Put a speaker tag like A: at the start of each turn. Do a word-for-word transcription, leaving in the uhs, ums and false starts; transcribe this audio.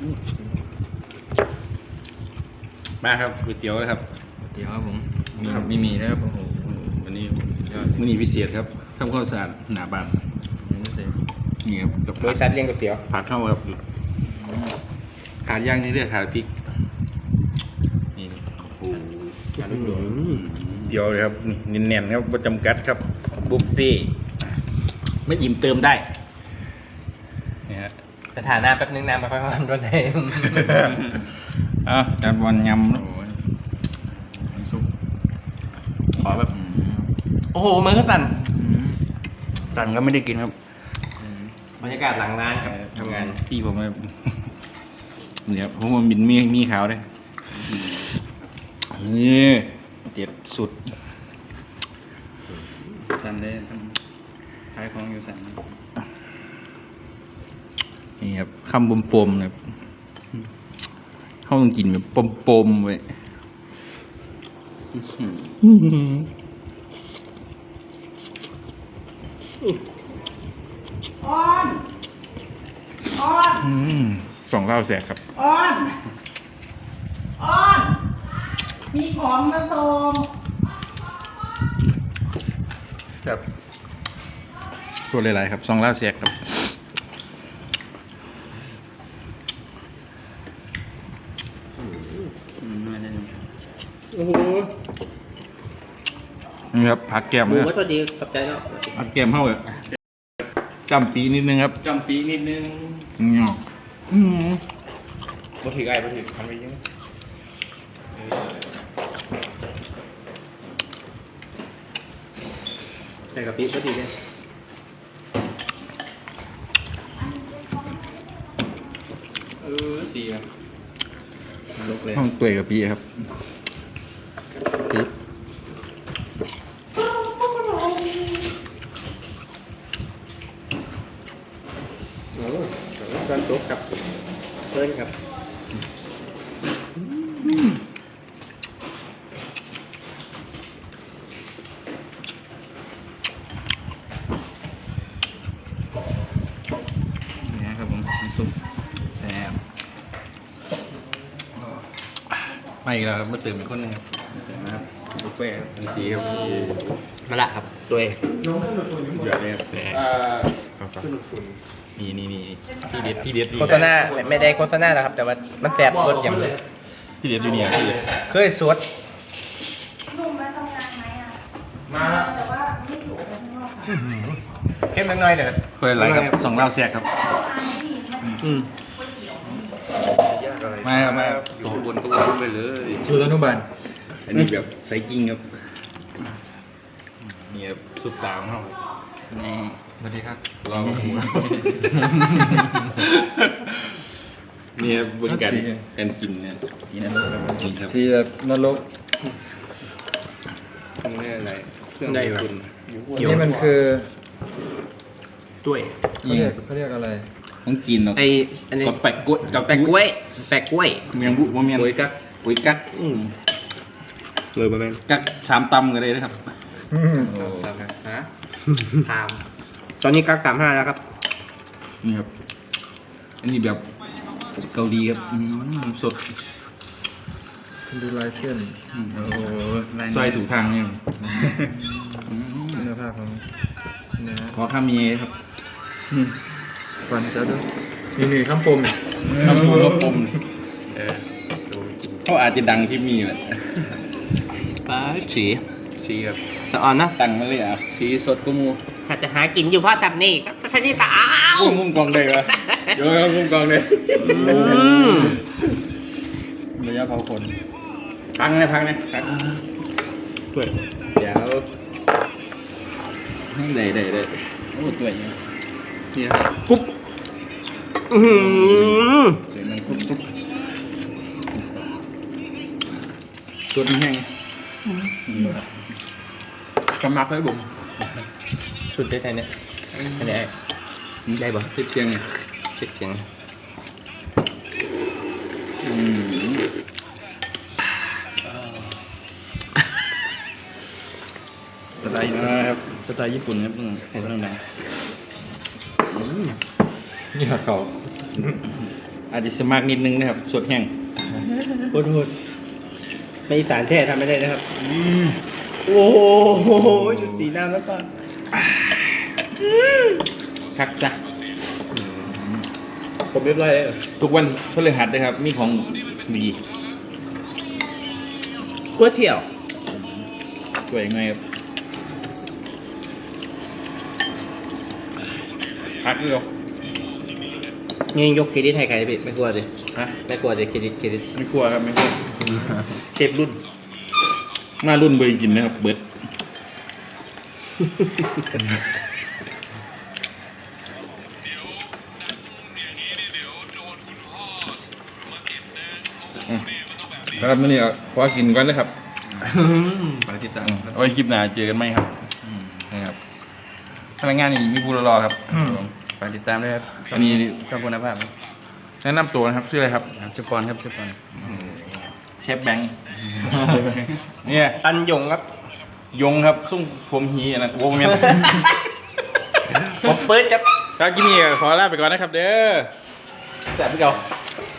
A: มาครับก๋วยเตี๋ยวนะครับ
B: ก๋วยเตี๋ยวครับผมมีมีมีนะครับโอ้โห
A: วันนี้มื้อนี้พิเศษครับทำข้าวสารหนาบานนี่ครับกับบ
C: ริษัทเลี้ยงก๋วยเตี๋ยว
A: ผัดเข้าครับขาดย่างนี่เรียกขาดพริกนี่โอ้ขาดลูกโดดเตี๋ยวเลยครับนี่แน่นๆครับประจำกัดครับบุฟเฟ่ไม่อิ่มเติมได้นี่ฮะ
C: สถานะแป๊บนึงน้ำมาค่อยๆมันโดนไหน
A: อ่ะจานบอลยำโอ้ยซุปขอแบบ
C: โอ้โหมือก็สั่น
A: สั่นก็ไม่ได้กินครับ
C: บรรยากาศหลังร้านครับทำงาน
A: ที่ผมเนี่ยผมมันบินมีมีขาวเลยนี่เจ็ดสุดสั่นเลยขายของอยู่สั่นนี่ครับคำปมๆเลยเขาต้องกินแบบปมๆไว้
D: อ้อนอ้อน
A: สองเล่าแสกครับ
D: อ้อนอ้อนมีของมาส่ง
A: ครับตัวหลายๆครับสองเล่าแสกครับ
C: โอ้โห
A: นี่ครับผักแก้ม
C: หมูวัตถุดิบขอบใจเนาะ
A: ผักแก้มเข้าเลยจำปีนิดนึงครับ
C: จำปีนิดนึง
A: เนาะอืม
C: มาถือไอ้มาถือพันไปเยอะใส่กะปิก็ดีเลยเออสีอะลุกเลย
A: ห้องตัวกับปีครับปี
C: โอ้ตอนตุ๊กครับเพิ่นครับ
A: นี่ครับผมน้ำซุปแซ่บไม่อีกแล้วครับมาเติมอีกคนนึงครับนะครับบุฟเฟ่ต์เป็นสีครับ
C: มาละครับตัวเอง
A: เยอะเลยครับนี่นี่นี่ที่เด็ดที่เด็ด
C: โฆษณาไม่ได้โฆษณาแล้วครับแต่ว่ามันแสบรสอย่างเลย
A: ที่เด็ดอยู่เนี่ยที่เด็ด
C: เคยสวด
D: นุ่มมาทำงานไหมอ่ะ
C: มา
D: แต่ว่าไม่ถูกไปข้างนอกค่ะ
C: เข้มน้อยๆเด้อ
A: คนอะไรครับสองเล่าแซกครับ
C: อืม
A: มาครับมาตัวบนตัวบนไปเลยชูต้นทุบานอันนี้แบบใส่กิ้งครับนี่ครับสุดตามเขานี่
C: สวัสดีครับ
A: ลองหูนี่ครับบนกันกันกินเนี่ยนี่นะครับ
B: ชีแบบนรก
A: นี่อะไรเครื่อง
C: ได้
A: คุณ
B: นี่มันคือ
C: ด้วย
B: เขาเรียกเขาเรียกอะไร
A: ต้องกินเนาะ
C: ไออันนี้
A: กับแปะกล้วย
C: กับแปะกล้วยแปะกล้วย
A: เมียงบุว่าเมียง
C: กล้วยกัก
A: กล้วยกัก
C: อืมเลยประมาณ
A: กักสามตำกันเลยนะครับ
C: ฮะถามตอนนี้กักสามห้าแล้วครับ
A: นี่ครับอันนี้แบบเกาหลีครับสด
B: ดูลายเส้น
A: โอ้ซอยถูกทางเนี่ย
B: เนื้อผ้าของเนื้อ
A: ขอข้ามีครับ
B: ก่อนจะดูนี่นี่ข้ามปม
A: ข้ามปมข้ามปมเขาอาจจะดังที่มีแหละ
C: ป้าสี
A: สีครับ
C: สะออนนะ
A: ตังมาเลยอ่ะสีสดกุมู
C: ถ้าจะหากินอยู่เพราะทำนี่ก็แค่นี้ตา
A: กุ้งกุ้งกองเลยวะเดี๋ยวกุ้งกองเลยระยะเผาขนพังเลยพังเลยพังด้วยเดี๋ยวได้ได้ได้โอ้ตัวนี้นี่ครับกุ๊บ
C: อือ
A: เดี๋ยวมันกุ๊บกุ๊บตัวนี้แห้งกำมักเลยบุ๋ม
C: สุดได้ไงเนี่ยอันนี้
A: นี่ได้ป่ะเช็ดเชียงไง
C: เช็ดเชียง
A: สไตล์ครับสไตล์ญี่ปุ่นครับเห็นแล้วนะ
B: นี่เขา
A: อาจจะสมัครนิดนึงนะครับสดแห้ง
C: พูดพูดในอีสานแท้ทำไม่ได้นะครับโอ้โหดูสีน้ำแล้วก่อน
A: ชักจ้ะ
C: ผมเรียบร้อยแล้ว
A: ทุกวันพฤหัสนะครับ มีของดี
C: ก๋วยเตี๋ยว
A: สวยไงครับพักด้วย
C: นี่ยกเครดิตให้ใครพี่ไม่กลัวสิ
A: ฮะ
C: ไม่กลัวสิเครดิตเครดิต
A: ไม่กลัวครับไม่กลัว
C: เชฟรุ่น
A: มารุ่นเบยกินนะครับเบิร์ดอืมครับมื่อนี้ขอกินก่อนนะครับ
B: ไปติดตาม
A: เอาไว้คลิปหน้าเจอกันไหมครับนะครับพนักงานนี่มีผู้รอครับ
B: ไปติดตามด้วยครับ
A: อันนี้
B: ช่องคุณภาพครับ
A: แนะนำตัวนะครับชื่ออะไรครับ
B: ชื่อปอนครับชื่อปอน
A: เชฟแบงค์เนี่ย
C: ตันยงครับ
A: ยงครับซุ่มผมฮีอันนะโว้เมียน
C: ผมเปิดครับ
A: ครับกินนี่ขอลาไปก่อนนะครับ เด้อ
C: แต่พี่เก่า
A: ค